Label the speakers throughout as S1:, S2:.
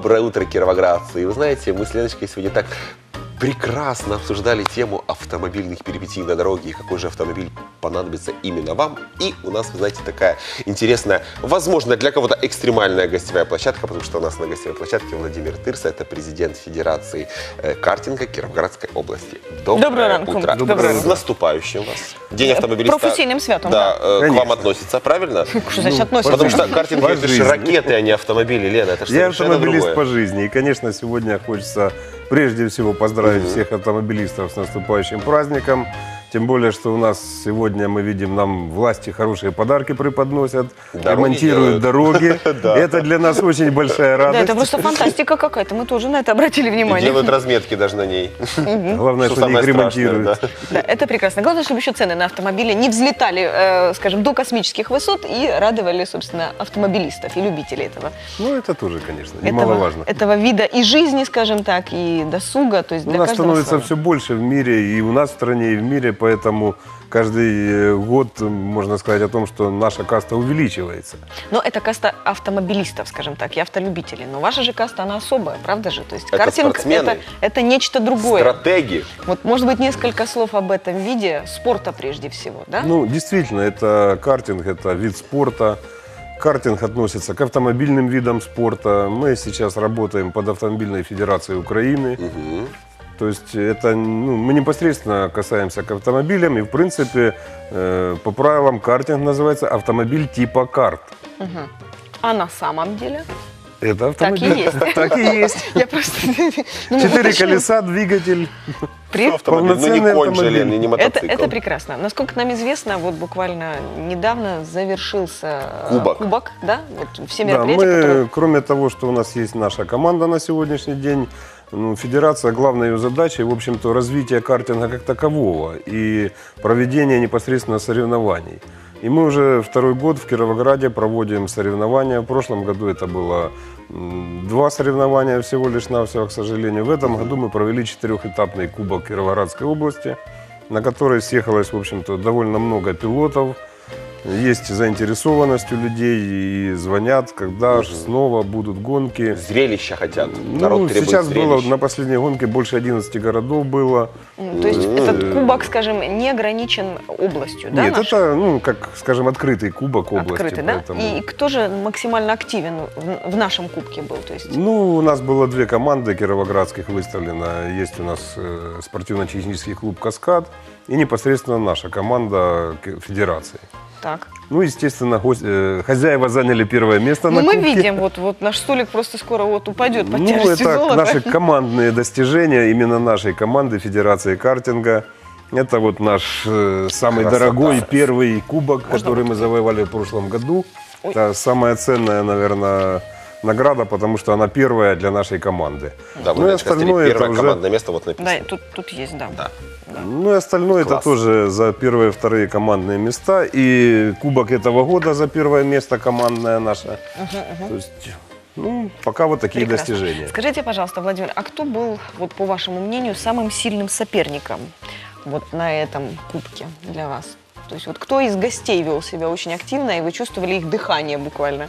S1: Доброе утро, кировоградцы. И вы знаете, мы с Леночкой сегодня так прекрасно обсуждали тему автомобильных перипетий на дороге, и какой же автомобиль понадобится именно вам. И у нас, вы знаете, такая интересная, возможно, для кого-то экстремальная гостевая площадка, потому что у нас на гостевой площадке Владимир Тырса, это президент Федерации картинга Кировоградской области.
S2: Доброе утро.
S1: Доброе. С наступающим вас. День автомобилиста.
S2: Профессийным святом.
S1: Да, к вам относится, правильно?
S2: Что значит относится?
S1: Потому что картинг это же ракеты, а не автомобили, Лена. Это же
S3: Я
S1: совершенно
S3: автомобилист
S1: другое.
S3: по жизни. И, конечно, сегодня хочется прежде всего поздравить всех автомобилистов с наступающим праздником. Тем более, что у нас сегодня, мы видим, нам власти хорошие подарки преподносят, ремонтируют дороги. Это для нас очень большая
S2: Да,
S3: радость.
S2: это просто фантастика какая-то. Мы тоже на это обратили внимание.
S1: Делают разметки даже на ней.
S3: Главное, что они их ремонтируют.
S2: Да, это прекрасно. Главное, чтобы еще цены на автомобили не взлетали, скажем, до космических высот и радовали, собственно, автомобилистов и любителей этого.
S3: Ну, это тоже, конечно, немаловажно.
S2: Этого вида и жизни, скажем так, и досуга. То есть для
S3: У нас
S2: каждого
S3: становится
S2: свое.
S3: все больше в мире, и у нас в стране, и в мире, поэтому каждый год можно сказать о том, что наша каста увеличивается.
S2: Но это каста автомобилистов, скажем так, и автолюбителей. Но ваша же каста, она особая, правда же? То есть
S1: Это
S2: картинг
S1: спортсмены.
S2: это нечто другое.
S1: Стратеги.
S2: Вот, может быть, несколько слов об этом виде спорта прежде всего, да?
S3: Ну, действительно, это картинг, это вид спорта. Картинг относится к автомобильным видам спорта. Мы сейчас работаем под Автомобильной Федерацией Украины. То есть это, мы непосредственно касаемся к автомобилям. И, в принципе, по правилам картинг называется автомобиль типа карт.
S2: А на самом деле?
S3: Это автомобиль.
S2: Так и есть.
S3: Так и есть.
S2: Я просто...
S3: 4 колеса, двигатель.
S1: Автомобиль. Ну не
S3: Полноценный
S1: конь же,
S3: автомобиль.
S1: Лен, и не мотоцикл.
S2: Это прекрасно. Насколько нам известно, вот буквально недавно завершился кубок, да? Вот все
S3: Да,
S2: мероприятия,
S3: мы,
S2: которые...
S3: кроме того, что у нас есть наша команда на сегодняшний день, федерация, главной ее задачей, в общем-то, развитие картинга как такового и проведение непосредственно соревнований. И мы уже второй год в Кировограде проводим соревнования. В прошлом году это было 2 соревнования всего лишь навсего, к сожалению. В этом году мы провели 4-этапный кубок Кировоградской области, на который съехалось, в общем-то, довольно много пилотов. Есть заинтересованность у людей и звонят, когда же снова будут гонки.
S1: Зрелища хотят. Народ требует
S3: сейчас
S1: зрелищ.
S3: было на последней гонке больше 11 городов было.
S2: То есть этот кубок, скажем, не ограничен областью, да?
S3: Нет,
S2: нашей?
S3: это, как, скажем, открытый кубок области.
S2: Открытый, да?
S3: Поэтому...
S2: И кто же максимально активен в нашем кубке был? То есть...
S3: У нас было 2 команды кировоградских выставлено. Есть у нас спортивно-технический клуб «Каскад» и непосредственно наша команда Федерации.
S2: Так.
S3: Естественно, хозяева заняли 1-е место на
S2: мы
S3: кубке.
S2: видим, вот наш столик просто скоро упадет под тяжестью
S3: это
S2: золота.
S3: наши командные достижения, именно нашей команды Федерации картинга. Это вот наш самый дорогой первый кубок, который мы завоевали в прошлом году. Это самая ценная, наверное, награда, потому что она первая для нашей команды.
S1: Да,
S3: и остальное это
S1: первое
S3: уже...
S1: командное место вот написано.
S2: Да, тут есть, да.
S3: И остальное это тоже за 1-е, 2-е командные места. И кубок этого года за 1-е место командное наше. То есть, пока вот такие
S2: Прекрасно.
S3: достижения.
S2: Скажите, пожалуйста, Владимир, а кто был, вот по вашему мнению, самым сильным соперником вот на этом кубке для вас? То есть вот кто из гостей вел себя очень активно, и вы чувствовали их дыхание буквально?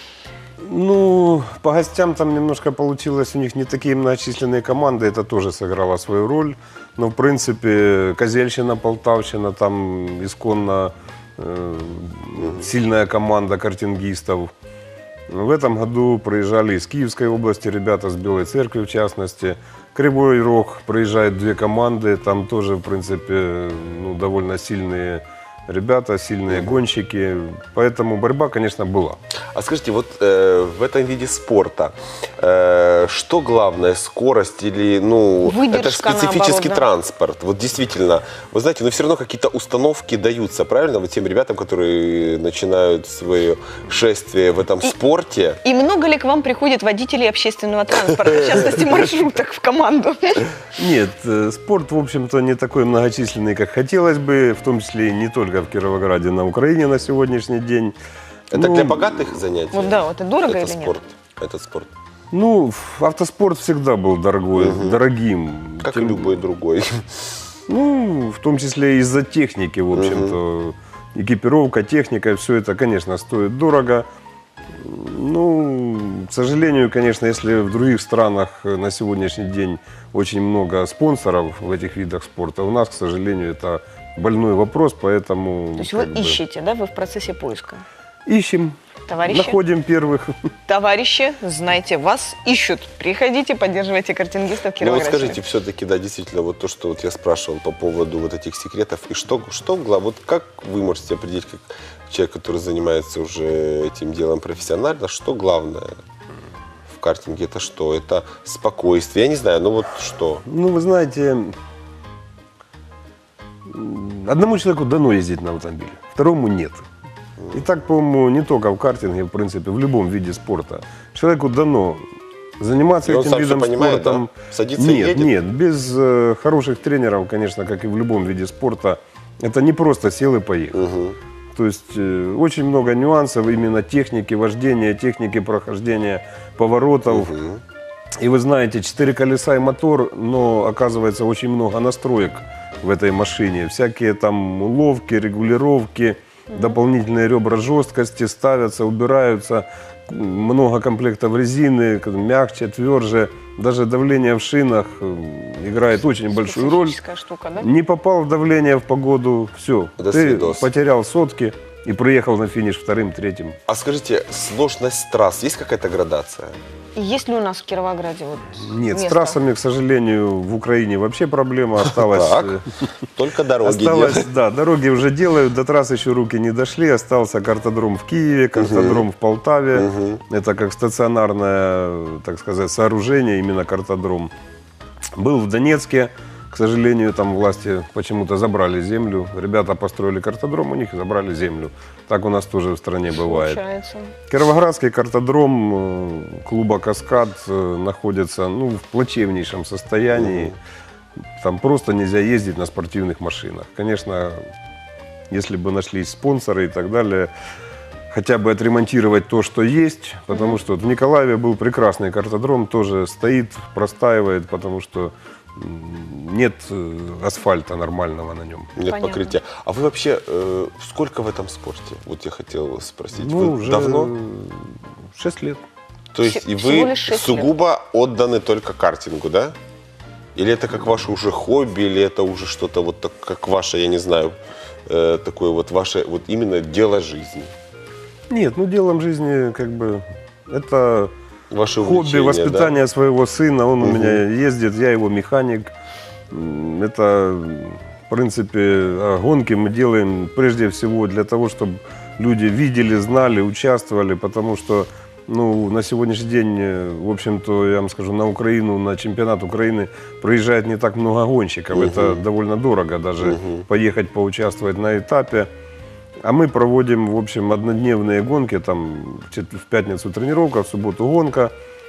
S3: По гостям там немножко получилось, у них не такие многочисленные команды, это тоже сыграло свою роль. Но, в принципе, Козельщина, Полтавщина, там исконно сильная команда картингистов. В этом году проезжали из Киевской области ребята, с Белой Церкви в частности. Кривой Рог проезжает 2 команды, там тоже, в принципе, довольно сильные ребята, сильные гонщики, поэтому борьба, конечно, была.
S1: А скажите, вот в этом виде спорта, что главное, скорость или,
S2: Выдержка,
S1: это же специфический
S2: наоборот, да?
S1: транспорт, вот действительно, вы знаете, все равно какие-то установки даются, правильно, вот тем ребятам, которые начинают свое шествие в этом спорте.
S2: И много ли к вам приходит водителей общественного транспорта, в частности маршруток в команду?
S3: Нет, спорт, в общем-то, не такой многочисленный, как хотелось бы, в том числе и не только в Кировограде, на Украине на сегодняшний день.
S1: Это для богатых занятий?
S2: Вот да, вот это дорого
S1: это
S2: или
S1: спорт,
S2: нет?
S1: этот спорт.
S3: Автоспорт всегда был дорогим.
S1: Как и любой другой.
S3: В том числе из-за техники, в общем-то. Экипировка, техника, все это, конечно, стоит дорого. Ну, к сожалению, конечно, если в других странах на сегодняшний день очень много спонсоров в этих видах спорта, у нас, к сожалению, это больной вопрос, поэтому...
S2: То есть
S3: как
S2: вы
S3: бы,
S2: ищете, да, вы в процессе поиска?
S3: ищем,
S2: Товарищи?
S3: находим первых.
S2: Товарищи, знайте, вас ищут. Приходите, поддерживайте картингистов
S1: Ну вот
S2: Кировограда.
S1: скажите, все-таки, да, действительно, вот то, что вот я спрашивал по поводу вот этих секретов, и вот как вы можете определить, как человек, который занимается уже этим делом профессионально, что главное в картинге, это что? Это спокойствие, я не знаю, ну вот что?
S3: Ну, вы знаете, одному человеку дано ездить на автомобиле, второму нет. И так, по-моему, не только в картинге, в принципе, в любом виде спорта. Человеку дано заниматься
S1: И он
S3: этим
S1: сам всё
S3: видом
S1: понимает,
S3: спорта.
S1: да? Садится и
S3: Нет,
S1: едет?
S3: нет, без хороших тренеров, конечно, как и в любом виде спорта, это не просто сел и поехал.
S1: Мгм.
S3: То есть очень много нюансов именно техники вождения, техники прохождения поворотов.
S1: Мгм.
S3: И вы знаете, 4 колеса и мотор, но оказывается очень много настроек в этой машине. Всякие там уловки, регулировки, дополнительные ребра жесткости ставятся, убираются. Много комплектов резины, мягче, тверже. Даже давление в шинах играет очень большую роль.
S2: Специфическая штука, да?
S3: Не попал в давление в погоду, все.
S1: До
S3: Ты
S1: свидос.
S3: потерял сотки и приехал на финиш вторым, третьим.
S1: А скажите, сложность трасс, есть какая-то градация?
S2: И есть ли у нас в Кировограде вот
S3: Нет, с
S2: место?
S3: трассами, к сожалению, в Украине вообще проблема осталась.
S1: Так, только дороги
S3: Осталось,
S1: делают.
S3: да, дороги уже делают, до трасс еще руки не дошли. Остался картодром в Киеве, картодром в Полтаве.
S1: Мгм.
S3: Это как стационарное, так сказать, сооружение, именно картодром. Был в Донецке, к сожалению, там власти почему-то забрали землю. Ребята построили картодром, у них забрали землю. Так у нас тоже в стране бывает.
S2: Получается.
S3: Кировоградский картодром клуба «Каскад» находится в плачевнейшем состоянии. Там просто нельзя ездить на спортивных машинах. Конечно, если бы нашлись спонсоры и так далее, хотя бы отремонтировать то, что есть. Потому что вот в Николаеве был прекрасный картодром, тоже стоит, простаивает, потому что нет асфальта нормального на нем.
S1: Нет
S2: Понятно.
S1: покрытия. А вы вообще сколько в этом спорте? Вот я хотел спросить.
S3: Ну,
S1: Вы
S3: уже
S1: давно?
S3: 6 лет.
S1: То есть и
S2: всего
S1: вы
S2: лишь 6
S1: сугубо отданы только картингу, да? Или это как ваше уже хобби, или это уже что-то вот так, как ваше, я не знаю, такое вот ваше вот именно дело жизни?
S3: Нет, делом жизни как бы это
S1: Ваше
S3: хобби,
S1: увлечение,
S3: воспитание своего сына. Он у
S1: Мгм.
S3: меня ездит, я его механик. Это, в принципе, гонки мы делаем прежде всего для того, чтобы люди видели, знали, участвовали, потому что на сегодняшний день, в общем-то, я вам скажу, на Украину, на чемпионат Украины приезжает не так много гонщиков. Это довольно дорого даже поехать поучаствовать на этапе. А мы проводим, в общем, однодневные гонки, там в пятницу тренировка, в субботу гонка.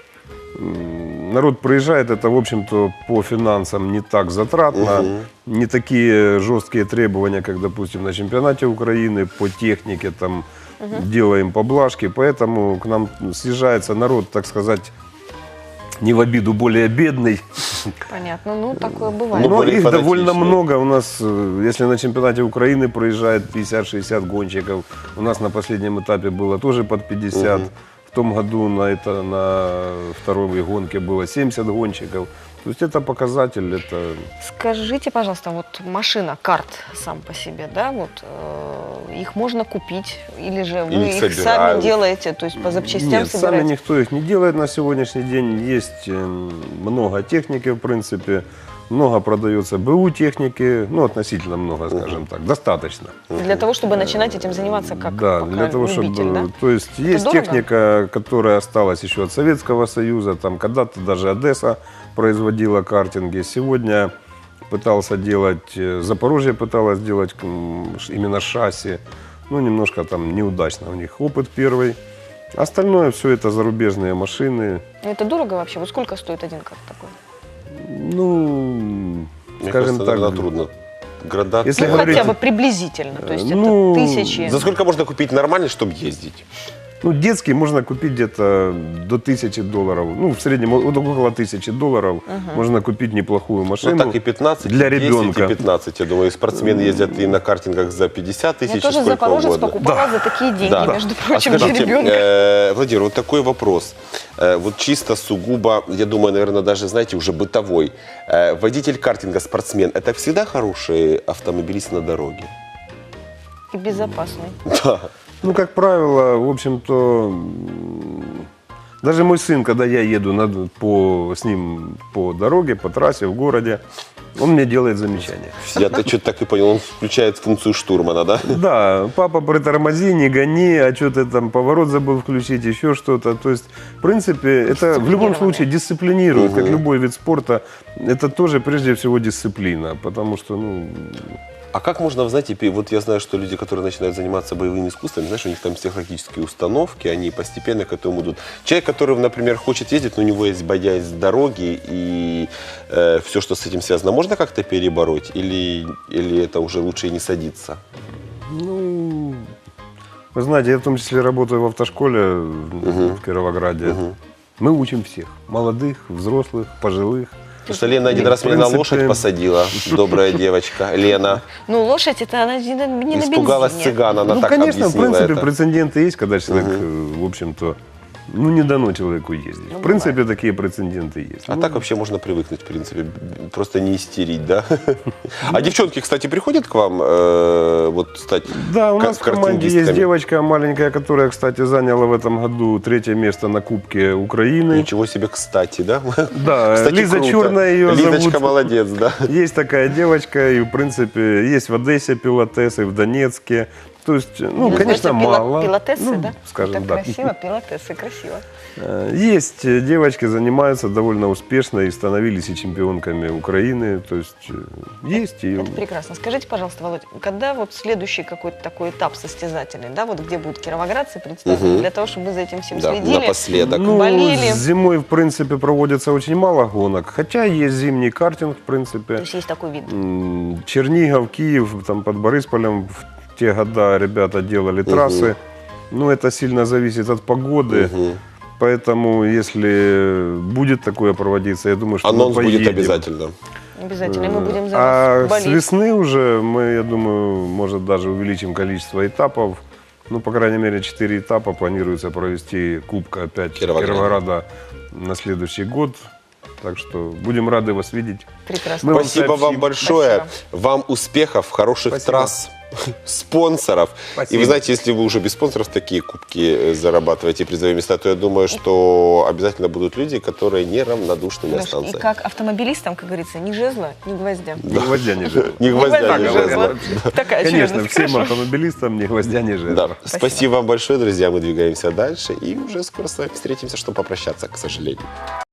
S3: Народ приезжает, это, в общем-то, по финансам не так затратно, не такие жесткие требования, как, допустим, на чемпионате Украины, по технике, там, делаем поблажки, поэтому к нам съезжается народ, так сказать, не в обиду, более бедный.
S2: Понятно. Ну, такое бывает.
S1: Ну,
S3: Но
S1: более
S3: их довольно
S1: фанатичные.
S3: много. У нас, если на чемпионате Украины проезжает 50-60 гонщиков, у нас на последнем этапе было тоже под 50. В том году на второй гонке было 70 гонщиков. То есть это показатель, это...
S2: Скажите, пожалуйста, вот машина, карт сам по себе, да, вот их можно купить или же вы
S1: Или
S2: их
S1: собирают?
S2: сами делаете, то есть по запчастям
S3: Нет, сами
S2: собираете?
S3: никто их не делает на сегодняшний день. Есть много техники, в принципе. Много продается БУ техники, относительно много, скажем так, достаточно.
S2: Для того, чтобы начинать этим заниматься как
S3: Да,
S2: пока
S3: для того,
S2: любитель,
S3: чтобы...
S2: да?
S3: То есть есть
S2: дорого?
S3: техника, которая осталась еще от Советского Союза, там когда-то даже Одесса производила картинги. Сегодня пытался делать, Запорожье пыталось делать именно шасси, немножко там неудачно у них опыт первый. Остальное все это зарубежные машины.
S2: Ну, это дорого вообще? Вот сколько стоит один карт такой?
S1: Мне
S3: Скажем
S1: кажется,
S3: так,
S1: наверное, трудно. Градация.
S3: Если
S2: Ну,
S3: говорить-
S2: хотя бы приблизительно, то есть
S3: ну,
S2: это тысячи.
S1: За сколько можно купить нормальный, чтобы ездить?
S3: Ну, детский можно купить где-то до $1000. Ну, в среднем вот около $1000 можно купить неплохую машину.
S1: Ну так и 15,
S3: для
S1: и 10,
S3: ребенка.
S1: и 15. Я думаю, спортсмены ездят и на картингах за 50
S2: Я
S1: тысяч,
S2: тоже
S1: сколько
S2: Запорожец
S1: угодно.
S2: покупала за такие деньги,
S1: Да.
S2: между прочим,
S1: А
S2: для
S1: скажите,
S2: ребенка.
S1: Владимир, вот такой вопрос. Вот чисто сугубо, я думаю, наверное, даже, знаете, уже бытовой. Водитель картинга, спортсмен, это всегда хороший автомобилист на дороге?
S2: И безопасный.
S1: Да.
S3: Ну, как правило, в общем-то, даже мой сын, когда я еду с ним по дороге, по трассе, в городе, он мне делает замечания.
S1: Я-то что-то так и понял, он включает функцию штурмана, да?
S3: Да, папа, притормози, не гони, а что ты там поворот забыл включить, еще что-то. То есть, в принципе, это в любом случае дисциплинирует, как любой вид спорта. Это тоже прежде всего дисциплина, потому что, ну,
S1: А как можно, вы знаете, вот я знаю, что люди, которые начинают заниматься боевыми искусствами, знаешь, у них там психологические установки, они постепенно к этому идут. Человек, который, например, хочет ездить, но у него есть боязнь дороги и все, что с этим связано, можно как-то перебороть или это уже лучше и не садиться?
S3: ну, вы знаете, я в том числе работаю в автошколе в Кировограде. Мы учим всех, молодых, взрослых, пожилых.
S1: Потому что Лена один раз меня на лошадь посадила, добрая девочка, Лена.
S2: Ну, лошадь, это она не на
S1: Испугалась
S2: бензине.
S1: цыган, она
S3: Ну,
S1: так
S3: конечно, в
S1: объяснила
S3: принципе,
S1: это.
S3: прецеденты есть, когда человек, в общем-то, ну, не дано человеку ездить.
S2: Ну,
S3: В принципе, такие прецеденты есть.
S1: А
S3: Ну,
S1: так вообще можно привыкнуть, в принципе, просто не истерить, да? А девчонки, кстати, приходят к вам вот стать
S3: Да, у нас в команде есть
S1: картингистками?
S3: девочка маленькая, которая, кстати, заняла в этом году 3-е место на Кубке Украины.
S1: Ничего себе, кстати, да?
S3: Да,
S1: Кстати,
S3: Лиза
S1: круто.
S3: Черная ее
S1: Лизочка
S3: зовут.
S1: молодец, да?
S3: Есть такая девочка, и, в принципе, есть в Одессе пилотес, и в Донецке. То есть, ну,
S2: Называется
S3: конечно, мало.
S2: Пилотесы,
S3: Ну,
S2: да?
S3: скажем,
S2: Так
S3: да.
S2: красиво, пилотесы, красиво.
S3: Есть девочки, занимаются довольно успешно и становились и чемпионками Украины. То есть есть. И...
S2: Это прекрасно. Скажите, пожалуйста, Володь, когда вот следующий какой-то такой этап состязательный, да, вот где будут кировоградцы представлены, для того, чтобы мы за этим всем
S1: Да,
S2: следили?
S1: напоследок.
S3: Ну,
S2: болели.
S3: зимой, в принципе, проводится очень мало гонок. Хотя есть зимний картинг, в
S2: То
S3: принципе.
S2: есть есть такой вид.
S3: Чернигов, Киев, там под Борисполем в те года ребята делали трассы. Ну, это сильно зависит от погоды. Поэтому, если будет такое проводиться, я думаю, что
S1: Анонс
S3: мы
S1: будет
S3: поедем.
S1: обязательно.
S2: Обязательно. И мы будем за
S3: А
S2: вас
S3: с
S2: болеть.
S3: весны уже мы, я думаю, может даже увеличим количество этапов. Ну, по крайней мере, 4 этапа планируется провести Кубка опять Кировограда на следующий год. Так что будем рады вас видеть.
S2: Прекрасно.
S3: Мы вам
S1: Спасибо
S3: сообщим.
S1: вам большое.
S2: Спасибо.
S1: Вам успехов, хороших
S3: Спасибо.
S1: трасс, спонсоров. И
S3: Спасибо.
S1: вы знаете, если вы уже без спонсоров такие кубки зарабатываете, призовые места, то я думаю, что обязательно будут люди, которые неравнодушными
S2: Леш, и
S1: останутся.
S2: как автомобилистам, как говорится, ни жезла, ни гвоздя.
S3: Ни гвоздя, ни жезла.
S1: Не гвоздя,
S2: ни
S1: не
S2: жезла.
S1: жезла.
S2: Такая
S3: Конечно,
S2: очередность.
S3: всем
S2: Хорошо.
S3: автомобилистам ни гвоздя, ни жезла.
S1: Да. Спасибо вам большое, друзья. Мы двигаемся дальше и уже скоро с вами встретимся, чтобы попрощаться, к сожалению.